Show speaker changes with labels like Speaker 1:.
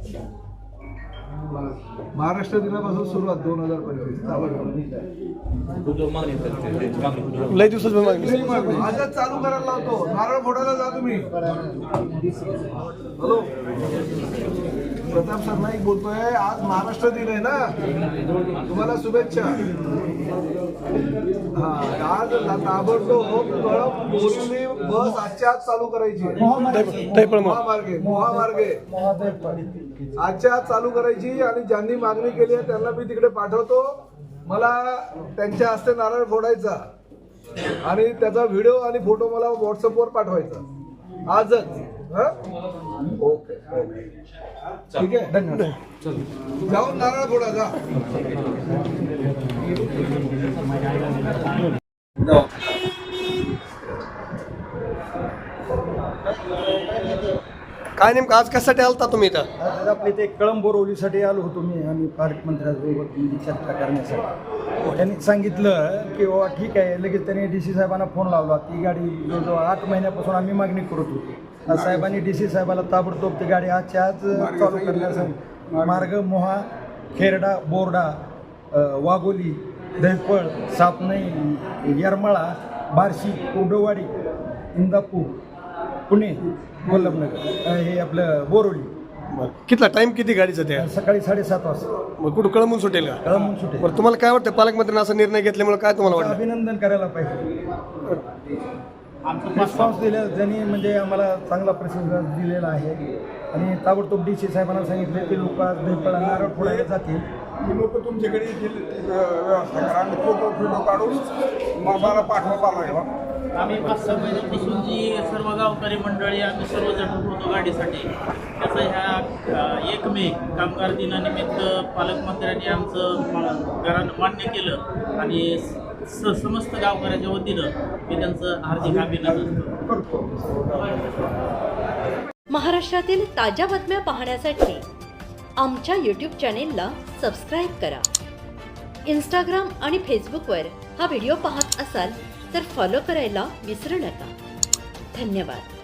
Speaker 1: महाराष्ट्र दिनापासून सुरुवात 2025
Speaker 2: लय दिवसाची मागणी.
Speaker 1: आजच चालू करायला लावतो. नारळ फोडायला जा तुम्ही. हॅलो प्रताप सरनाईक बोलतोय. आज महाराष्ट्र दिन आहे ना, तुम्हाला शुभेच्छा. हा आज ताबडतोब बोरिवली बस आजच्या आज चालू करायची. महामार्गे आजच्या आज चालू करायची आणि ज्यांनी मागणी केली आहे त्यांना मी तिकडे पाठवतो. मला त्यांच्या हस्ते नारळ फोडायचा आणि त्याचा व्हिडिओ आणि फोटो मला व्हॉट्सअपवर पाठवायचा आजच. ओके ओके ठीक आहे, धन्यवाद. जाऊन नारळ फोडा जा.
Speaker 2: काय नेमकं आज कशासाठी आलता तुम्ही इथं?
Speaker 3: आज आपल्या इथे कळंब बोरवलीसाठी आलो होतो मी आणि पालक मंत्र्यांसोबत चर्चा करण्यासाठी. त्यांनी सांगितलं की बाबा ठीक आहे. लगेच त्यांनी DC साहेबांना फोन लावला. ती गाडी जवळजवळ 8 महिन्यापासून आम्ही मागणी करत होतो. आज साहेबांनी DC साहेबाला ताबडतोब ती गाडी आजच्या आज चालू करण्यासाठी मार्ग मोहा, खेरडा, बोर्डा, वाघोली, दहिफळ, सापनई, येरमाळा, बार्शी, कुर्डवाडी, इंदापूर, पुणे, वल्लभनगर हे आपलं बोरवली.
Speaker 2: कितला टाइम किती गाडीचं त्या?
Speaker 3: सकाळी 7:30 वाजता.
Speaker 2: मग कुठं कळंबून सुटेल का?
Speaker 3: कळंबून सुटेल.
Speaker 2: बरं तुम्हाला काय वाटतं पालकमंत्र्यांनी असा निर्णय घेतल्यामुळे काय तुम्हाला वाटतं?
Speaker 3: अभिनंदन करायला पाहिजे. रिस्पॉन्स दिला त्यांनी, म्हणजे आम्हाला चांगला प्रतिसाद दिलेला आहे. आणि ताबडतोब DC साहेबांना सांगितले की लोक आज दहीफळा नारळ फोडायला जातील.
Speaker 1: लोक तुमच्याकडे येतील व्यवस्था करा आणि फोटो काढून मला पाठवा लागेल.
Speaker 4: आम्ही 5-6 महिन्यापासून जी सर्व गावकरी मंडळी आम्ही सर्वजण होतो गाडीसाठी, त्याचा ह्या 1 मे कामगार दिनानिमित्त पालकमंत्र्यांनी आमचं मान्य केलं आणि समस्त गावकऱ्याच्या वतीनं मी त्यांचं हार्दिक अभिनंदन करतो.
Speaker 5: महाराष्ट्रातील ताज्या बातम्या पाहण्यासाठी आमच्या YouTube चॅनेलला सबस्क्राईब करा. इंस्टाग्राम आणि फेसबुकवर हा व्हिडिओ पाहत असाल तर फॉलो करायला विसरू नका. धन्यवाद.